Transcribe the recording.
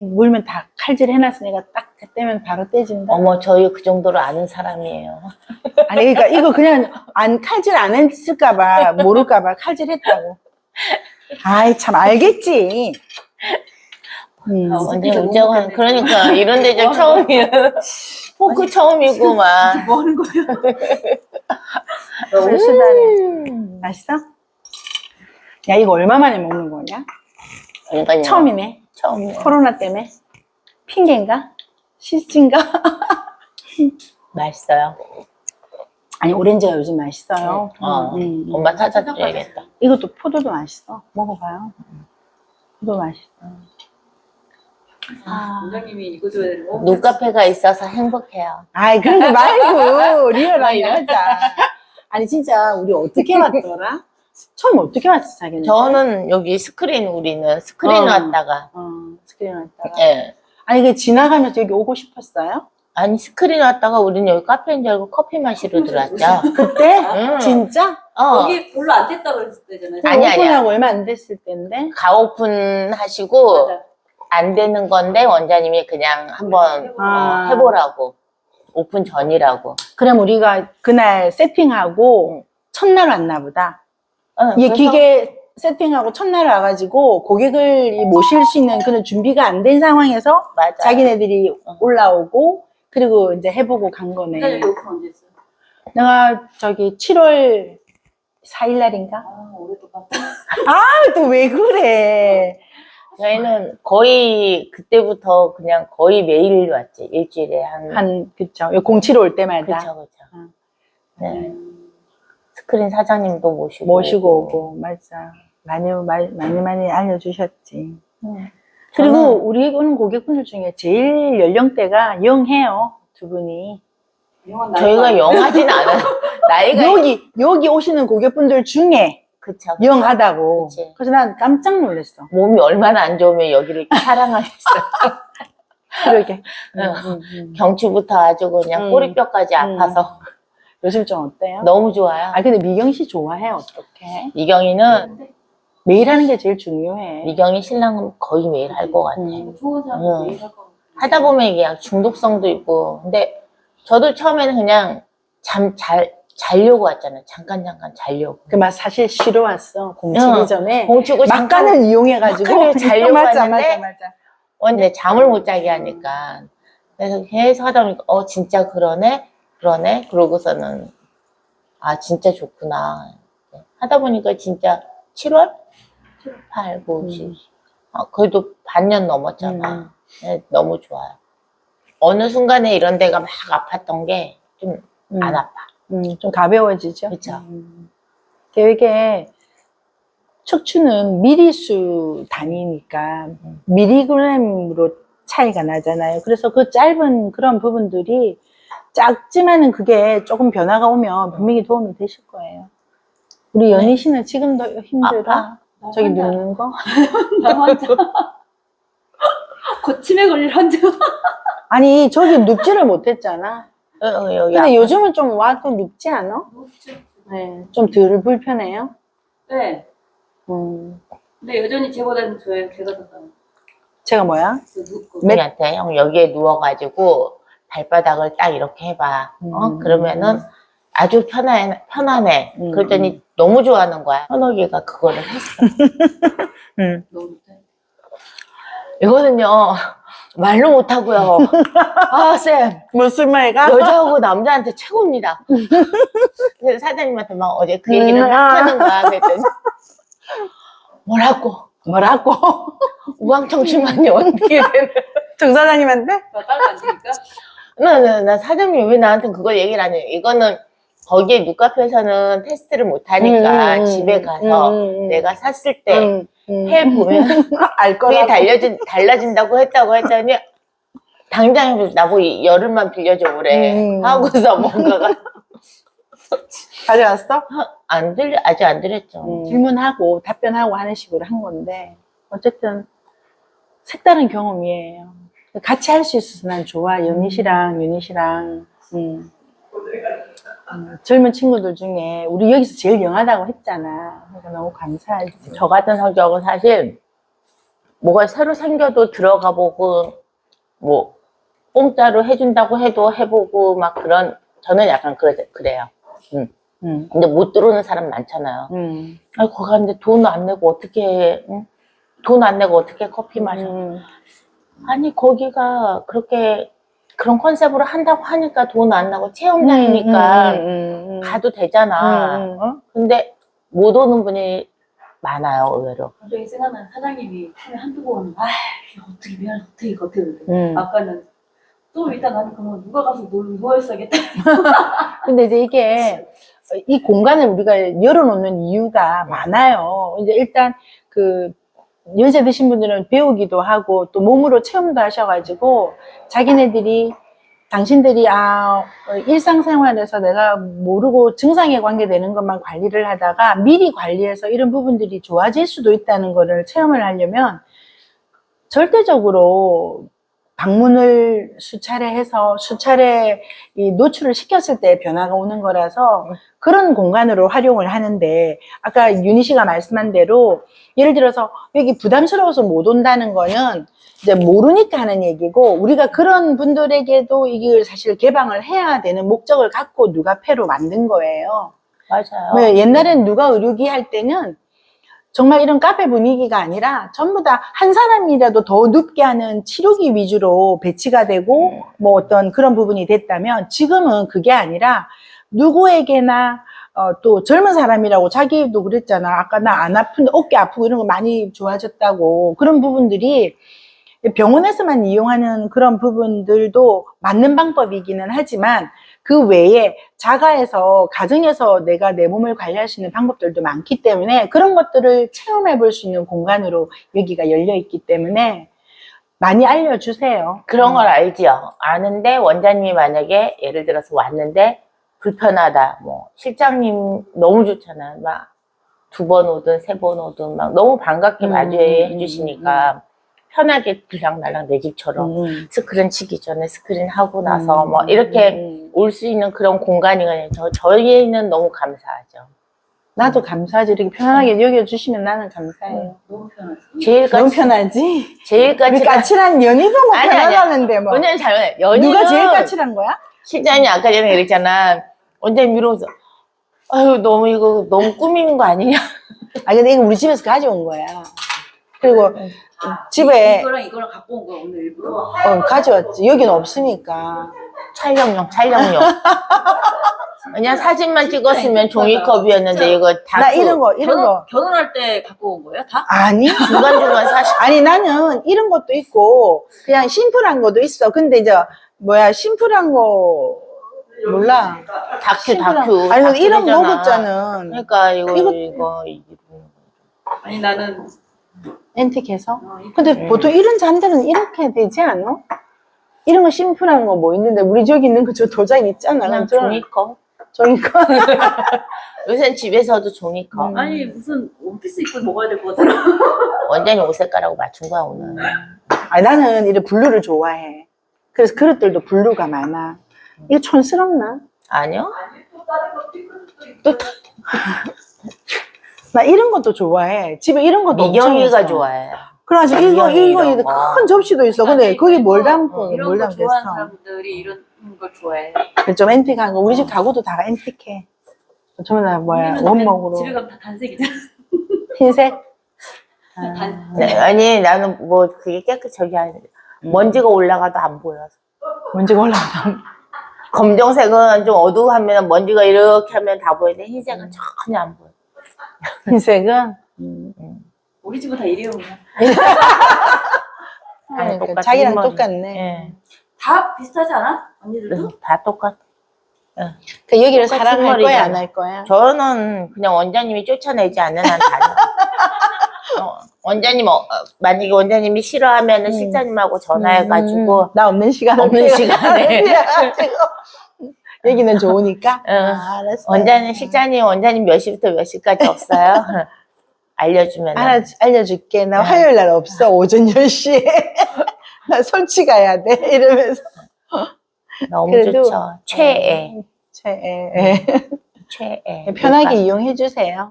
물면 다 칼질 해놨으니까 딱 떼면 바로 떼진다. 어머, 저희 그 정도로 아는 사람이에요. 아니, 그러니까 이거 그냥 칼질 안 했을까봐, 모를까봐 칼질했다고. 아이, 참, 알겠지. 언제 우정은, 그러니까, 이런 데좀 처음이야. 포크 처음이구만. 뭐 하는 거예요? 너무 수다네. 맛있어? 야, 이거 얼마 만에 먹는 거냐? 그러니까요. 처음이네. 처음이에요. 코로나 때문에. 핑계인가? 실진가? 맛있어요. 아니, 오렌지가 요즘 맛있어요. 엄마 찾아줘야겠다. 이것도 포도도 맛있어. 먹어봐요. 포도 맛있어. 원장님이 이거 줘야 되는 거? 눈카페가 있어서 행복해요. 아이, 그런 거 말고, 리얼하게 하자. 아니, 진짜, 우리 어떻게 왔더라? 처음 어떻게 왔어, 자기는? 저는 여기 우리는 스크린 왔다가. 스크린 왔다가. 예. 아니, 그 지나가면서 여기 오고 싶었어요? 아니, 스크린 왔다가 우리는 여기 카페인 줄 알고 커피 마시러 들어왔죠. 그때? 응. 진짜? 거기 별로 안 됐다고 그랬을 때잖아요. 아니야. 오픈하고 얼마 안 됐을 때인데? 가오픈 하시고, 맞아. 안 되는 건데, 원장님이 그냥 한번 해보라고. 오픈 전이라고. 그럼 우리가 그날 세팅하고 첫날 왔나 보다. 이 그래서 기계 세팅하고 첫날 와가지고 고객을 모실 수 있는 그런 준비가 안 된 상황에서 맞아. 자기네들이 올라오고 그리고 이제 해보고 간 거네. 원장님 오픈 언제 했어요? 내가 저기 7월 4일 날인가? 아, 오랫동안. 아, 또 왜 그래? 저희는 거의 그때부터 그냥 거의 매일 왔지. 일주일에 그쵸. 07 올 때마다. 그쵸. 네. 스크린 사장님도 모시고 오고, 맞아. 많이 알려주셨지. 그리고 저는 우리 오는 고객분들 중에 제일 연령대가 영해요, 두 분이. 저희가 영하진 않아요. 나이가. 여기 오시는 고객분들 중에 그쵸. 영하다고. 그치. 그래서 난 깜짝 놀랐어. 몸이 얼마나 안 좋으면 여기를 사랑하겠어요. 그러게. 경추부터 아주 그냥 꼬리뼈까지 아파서. 요즘 좀 어때요? 너무 좋아요. 아, 근데 미경 씨 좋아해, 어떡해? 미경이는, 매일 하는 게 제일 중요해. 미경이 신랑은 거의 매일 할 것 같아. 좋은 사람 매일 할 거. 하다 보면 이게 약 중독성도 있고. 근데 저도 처음에는 그냥 자려고 왔잖아요. 잠깐 자려고. 막 사실 쉬러 왔어. 공치기 전에. 공치고 막간을 이용해가지고. 막간을 자려고 맞아, 왔는데 맞아. 근데 잠을 못 자게 하니까. 그래서 계속 하다 보니까, 진짜 그러네? 그러고서는, 진짜 좋구나. 하다 보니까 진짜 7월? 8, 9, 10. 그래도 반년 넘었잖아. 네, 너무 좋아요. 어느 순간에 이런 데가 막 아팠던 게 좀 안 아파. 좀 가벼워지죠. 그쵸. 이게 척추는 미리수 단위니까 미리그램으로 차이가 나잖아요. 그래서 그 짧은 그런 부분들이 작지만은 그게 조금 변화가 오면 분명히 도움이 되실 거예요. 우리 연희 씨는 지금도 힘들어? 아파. 저기 눕는 거? 나 환자. 곧 치매 걸릴 환자. 아니, 저기 눕지를 못했잖아. 여기 근데 요즘은 좀 와도 눕지 않아? 네, 좀 덜 불편해요? 네. 근데 여전히 제가 더 나아요. 제가 뭐야? 우리한테 형 여기에 누워가지고 발바닥을 딱 이렇게 해봐. 그러면은 아주 편안해. 그랬더니 너무 좋아하는 거야. 현옥이가 그거를 했어. 너무 좋다. 이거는요, 말로 못하고요. 쌤. 무슨 말가? 여자하고 남자한테 최고입니다. 그래서 사장님한테 막 어제 그 얘기를 막 하는 거야. 그랬더니, 뭐라고? 우왕청심하니 어떻게 되는. 정 사장님한테? 딸이 안 되니까? 나 사장님이 왜 나한테 그걸 얘기를 안 해? 이거는 거기에 눈카페에서는 테스트를 못 하니까 집에 가서 내가 샀을 때 해보면 알 그게 거라고. 달라진다고 했더니 당장 나보고 열흘만 빌려줘 그래. 하고서 뭔가가 가져왔어? 아직 안 드렸죠. 질문하고 답변하고 하는 식으로 한 건데 어쨌든 색다른 경험이에요. 같이 할 수 있어서 난 좋아. 연희 씨랑 윤희 씨랑 젊은 친구들 중에 우리 여기서 제일 영하다고 했잖아. 그러니까 너무 감사하지. 저 같은 성격은 사실 뭐가 새로 생겨도 들어가 보고, 뭐, 공짜로 해준다고 해도 해보고, 막 저는 약간 그래요. 근데 못 들어오는 사람 많잖아요. 아니, 거기 갔는데 돈 안 내고 어떻게 해? 응? 돈 안 내고 어떻게 커피 마셔? 아니, 거기가 그런 컨셉으로 한다고 하니까 돈 안 나고 체험장이니까 가도 되잖아. 어? 근데 못 오는 분이 많아요, 의외로. 갑자기 생각나는 사장님이 처음에 한두 번, 어떻게 미안해, 어떻게. 아까는 좀 이따 나는 그러면 누가 가서 누워있어야겠다. 근데 이제 이게 이 공간을 우리가 열어놓는 이유가 많아요. 이제 일단 연세 드신 분들은 배우기도 하고 또 몸으로 체험도 하셔가지고 당신들이 일상생활에서 내가 모르고 증상에 관계되는 것만 관리를 하다가 미리 관리해서 이런 부분들이 좋아질 수도 있다는 거를 체험을 하려면 절대적으로 방문을 수차례 해서 수차례 노출을 시켰을 때 변화가 오는 거라서 그런 공간으로 활용을 하는데, 아까 윤희 씨가 말씀한 대로 예를 들어서 여기 부담스러워서 못 온다는 거는 이제 모르니까 하는 얘기고, 우리가 그런 분들에게도 이걸 사실 개방을 해야 되는 목적을 갖고 누가페로 만든 거예요. 맞아요. 옛날엔 누가 의료기 할 때는 정말 이런 카페 분위기가 아니라 전부 다 한 사람이라도 더 눕게 하는 치료기 위주로 배치가 되고 뭐 어떤 그런 부분이 됐다면, 지금은 그게 아니라 누구에게나 또 젊은 사람이라고 자기도 그랬잖아. 아까 나 안 아픈데 어깨 아프고 이런 거 많이 좋아졌다고. 그런 부분들이 병원에서만 이용하는 그런 부분들도 맞는 방법이기는 하지만 그 외에 자가에서, 가정에서 내가 내 몸을 관리할 수 있는 방법들도 많기 때문에 그런 것들을 체험해 볼 수 있는 공간으로 여기가 열려 있기 때문에 많이 알려주세요. 그런 걸 알지요. 아는데 원장님이 만약에 예를 들어서 왔는데 불편하다. 뭐 실장님 너무 좋잖아요. 막 2번 오든 3번 오든 막 너무 반갑게 맞이해 주시니까 편하게 들락날락 내 집처럼 스크린 치기 전에 스크린 하고 나서 뭐 이렇게 올 수 있는 그런 공간이거든요. 저희는 너무 감사하죠. 나도 감사하지. 이렇게 편안하게 여겨주시면 나는 감사해요. 너무 편하지. 너무 편하지? 제일 우리 까칠한 연희도 뭐 아니, 편안하는데 뭐. 원장님 잘못해. 연희는 누가 제일 까칠한 거야? 실장님 아까 전에 그랬잖아. 원장님 이러면서 아유 너무 꾸미는 거 아니냐. 근데 이거 우리 집에서 가져온 거야. 그리고 집에 이거랑 갖고 온 거야, 오늘 일부러. 가져왔지. 여기는 없으니까. 촬영용. 그냥 사진만 찍었으면 종이컵이었는데 이거 다 나 이런 거. 결혼할 때 갖고 온 거예요, 다? 아니. 중간중간 사실 아니, 나는 이런 것도 있고, 그냥 심플한 것도 있어. 근데 이제, 심플한 거, 몰라. 다큐. 아니, 근데 이런 다큐잖아. 먹었잖아. 그러니까 이거 아니, 나는. 앤틱해서. 근데 보통 이런 잔들은 이렇게 되지 않아? 이런 거 심플한 거 뭐 있는데, 우리 저기 있는 거 저 도장 있잖아. 그냥 종이컵. 종이컵. 요새는 집에서도 종이컵. 아니, 무슨 원피스 입고 먹어야 될 것 같아. 원장님 옷 색깔하고 맞춘 거야 오늘. 나는 이런 블루를 좋아해. 그래서 그릇들도 블루가 많아. 이거 촌스럽나? 아니요. 나 이런 것도 좋아해. 집에 이런 것도 미경이가 엄청 좋아해. 그래가지고 이거 큰 접시도 있어. 근데 거기 뭘 담고 이런 뭘 거 담겠어. 좋아하는 사람들이 이런 걸 좋아해. 좀 앤틱한 거. 우리 집 가구도 다 앤틱해. 전부 다 우리는 원목으로. 집에 가면 다 단색이잖아. 흰색. 네, 아니 나는 뭐 그게 저기 아니 먼지가 올라가도 안 보여서. 먼지가 올라가. 검정색은 좀 어두워하면 먼지가 이렇게 하면 다 보이는데 흰색은 전혀 안 보여. 흰색은 우리 집은 다 일회용이야. 그러니까 자기랑 머리. 똑같네. 네. 다 비슷하지 않아? 언니들도? 다 똑같아. 그 여기를 똑같은 사랑할 거야, 머리잖아. 안 할 거야? 저는 그냥 원장님이 쫓아내지 않는 한 다녀. 원장님 만약에 원장님이 싫어하면은 실장님하고 전화해가지고 나 없는 시간에. 없는 시간에. 여기는 좋으니까. 알았어. 원장님 몇 시부터 몇 시까지 없어요? 알려주면. 알려줄게. 나 화요일 날 없어. 오전 10시에. 나 솔치 가야 돼. 이러면서. 너무 그래도, 좋죠. 최애. 최애. 최애. 편하게 이용해 주세요.